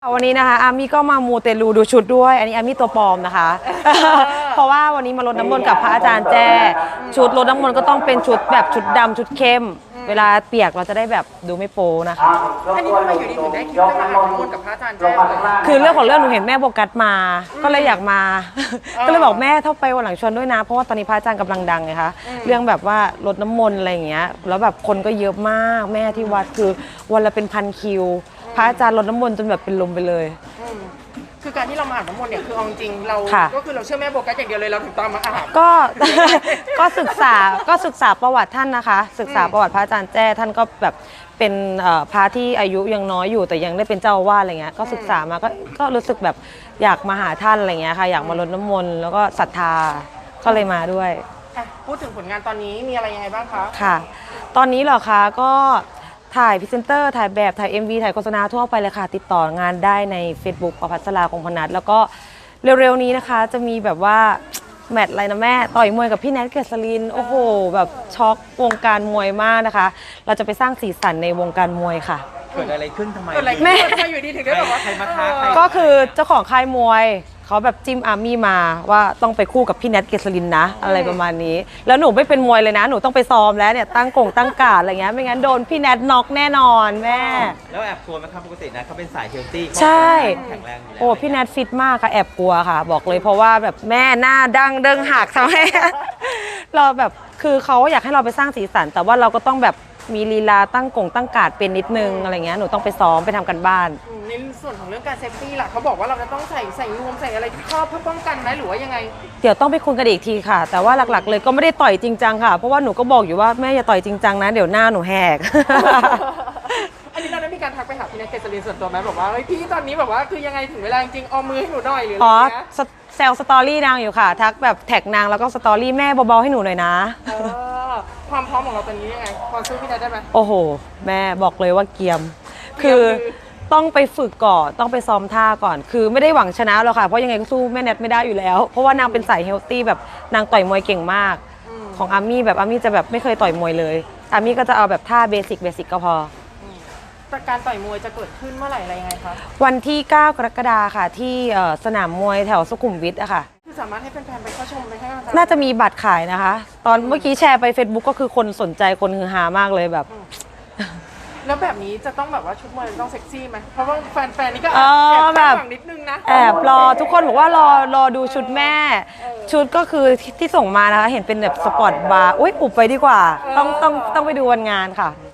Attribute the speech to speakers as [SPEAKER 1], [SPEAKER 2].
[SPEAKER 1] วันนี้นะคะอามี่ก็มามูเตลูดูชุดด้วยอันนี้อามี่ตัวปลอมนะคะเพราะว่าวันนี้มารดน้ำมนต์กับพระอาจารย์แจ้ชุดรดน้ำมนต์ก็ต้องเป็นชุดแบบชุดดำชุดเข้มเวลาเปียกเราจะได้แบบดูไม่โป๊นะคะ
[SPEAKER 2] อันนี้ทำไมอยู่ดีถึงได้คิดจะมาอาบน้ำมนต์กับพระอาจารย์แจ้เลย
[SPEAKER 1] คือเรื่องของเรื่องหนูเห็นแม่โบกัสมาก็เลยอยากมาก็เลยบอกแม่ถ้าไปวันหลังชวนด้วยนะเพราะว่าตอนนี้พระอาจารย์กำลังดังไงคะเรื่องแบบว่ารดน้ำมนต์อะไรอย่างเงี้ยแล้วแบบคนก็เยอะมากแม่ที่วัดคือวันละเป็นพันคิวพระอาจารย์รดน้ำมนต์จนแบบเป็นลมไปเลย
[SPEAKER 2] คือการที่เรามาอาบน้ำมนต์เนี่ยคือเอาจริงเราก็คือเราเชื่อแม่โบกัสอย่างเดียวเลยเราถึงตามมาอาบ
[SPEAKER 1] ก็ศึกษาประวัติท่านนะคะศึกษาประวัติพระอาจารย์แจ้ท่านก็แบบเป็นพระที่อายุยังน้อยอยู่แต่ยังได้เป็นเจ้าอาวาสอะไรเงี้ยก็ศึกษามาก็รู้สึกแบบอยากมาหาท่านอะไรเงี้ยค่ะอยากมารดน้ำมนต์แล้วก็ศรัทธาก็เลยมาด้วย
[SPEAKER 2] พูดถึงผลงานตอนนี้มีอะไรยังไงบ้างคะ
[SPEAKER 1] ค่ะตอนนี้เหรอคะก็ถ่ายพรีเซนเตอร์ถ่ายแบบถ่าย MV ถ่ายโฆษณาทั่วไปเลยค่ะติดต่องานได้ใน Facebook ประภัสราคงพนัสแล้วก็เร็วๆนี้นะคะจะมีแบบว่าแมตช์อะไรนะแม่ต่อยมวยกับพี่แนทเกษรินโอ้โหแบบช็อกวงการมวยมากนะคะเราจะไปสร้างสีสันในวงการมวยค่ะ
[SPEAKER 3] เกิดอะไรขึ้นทำไม
[SPEAKER 2] แม่ทำไมอยู่ดีถึงได้แบบว่า
[SPEAKER 3] ใครมาท้าใคร
[SPEAKER 1] ก็คือเจ้าของค่ายมวยเขาแบบจิ้มอาร์มี่มาว่าต้องไปคู่กับพี่แนทเกษรินนะอะไรประมาณนี้แล้วหนูไม่เป็นมวยเลยนะหนูต้องไปซ้อมแล้วเนี่ยตั้งการ์ดอะไรเงี้ยไม่งั้นโดนพี่แนทน็อกแน่นอนแม่
[SPEAKER 3] แล้วแอบกลัวไหมครับปกตินะเขาเป็นสายเฮลตี้
[SPEAKER 1] ใช่
[SPEAKER 3] แข็งแรงอยู่แล้ว
[SPEAKER 1] โอ้พี่แนทฟิตมากค่ะแอบกลัวค่ะบอกเลยเพราะว่าแบบแม่หน้าดังเดิงหักทำให้เราแบบคือเขาอยากให้เราไปสร้างสีสันแต่ว่าเราก็ต้องแบบมีลีลาตั้งการ์ดเป็นนิดนึงอะไรเงี้ยหนูต้องไปซ้อมไปทำกันบ้าน
[SPEAKER 2] ในส่วนของเรื่องการเซฟตี้ล่ะเขาบอกว่าเราจะต้องใส่นวมใส่อะไรที่ครอบเพื่อป้องกันไหมหรือว่ายังไง
[SPEAKER 1] เดี๋ยวต้องไปคุยกันอีกทีค่ะแต่ว่าหลักๆเลยก็ไม่ได้ต่อยจริงจังค่ะเพราะว่าหนูก็บอกอยู่ว่าแม่อย่าต่อยจริงจังนะเดี๋ยวหน้าหนูแหก
[SPEAKER 2] อันนี้เราได้มีการทักไปหาพี่แนทเกษรินส่วนตัวไหมบอกว่าเฮ้ยพี่ตอนนี้แบบว่าคือยังไงถึงเวลาจริงเอามือให้หนูหน่อยหรืออะไรเงี้ย
[SPEAKER 1] แซลสตอรี่นางอยู่ค่ะทักแบบแท็กนางแล้วก็สตอรี่แม่เบาๆให้หนูหน่อยนะ
[SPEAKER 2] ความพร้อมของเราตอนนี้ยังไงพอสู้พี่แนทได้ไหม
[SPEAKER 1] โอ้โหแม่บอกเลยว่าเกียมคือต้องไปฝึกก่อนต้องไปซ้อมท่าก่อนคือไม่ได้หวังชนะหรอกค่ะเพราะยังไงก็สู้แม่แนทไม่ได้อยู่แล้วเพราะว่านางเป็นสายเฮลตี้แบบนางต่อยมวยเก่งมากของอาร์มี่แบบอาร์มี่จะแบบไม่เคยต่อยมวยเลยอาร์มี่ก็จะเอาแบบท่าเบสิกก็พอ
[SPEAKER 2] การต่อยมวยจะเกิดขึ้นเมื่อไหร่อะไรยังไงคะ
[SPEAKER 1] วันที่9 กรกฎาคมค่ะที่สนามมวยแถวสุขุมวิทอะค่ะ
[SPEAKER 2] คือสามารถให้แฟนๆไปเข้าชมไปให้
[SPEAKER 1] น่าจะมีบัตรขายนะคะตอนเมื่อกี้แชร์ไป Facebook ก็คือคนสนใจคนฮือฮามากเลยแบบ
[SPEAKER 2] แล้วแบบนี้จะต้องแบบว่าชุดมวยต้องเซ็กซี่ไหมเพราะว่าแฟนๆนี่ก็แอบคาดหวังนิดนึงนะ
[SPEAKER 1] แอบรอทุกคนบอกว่ารอดูชุดแม่ชุดก็คือที่ส่งมานะคะเห็นเป็นแบบสปอร์ตบาร์อุ้ยอุบไปดีกว่าต้องไปดูวันงานค่ะ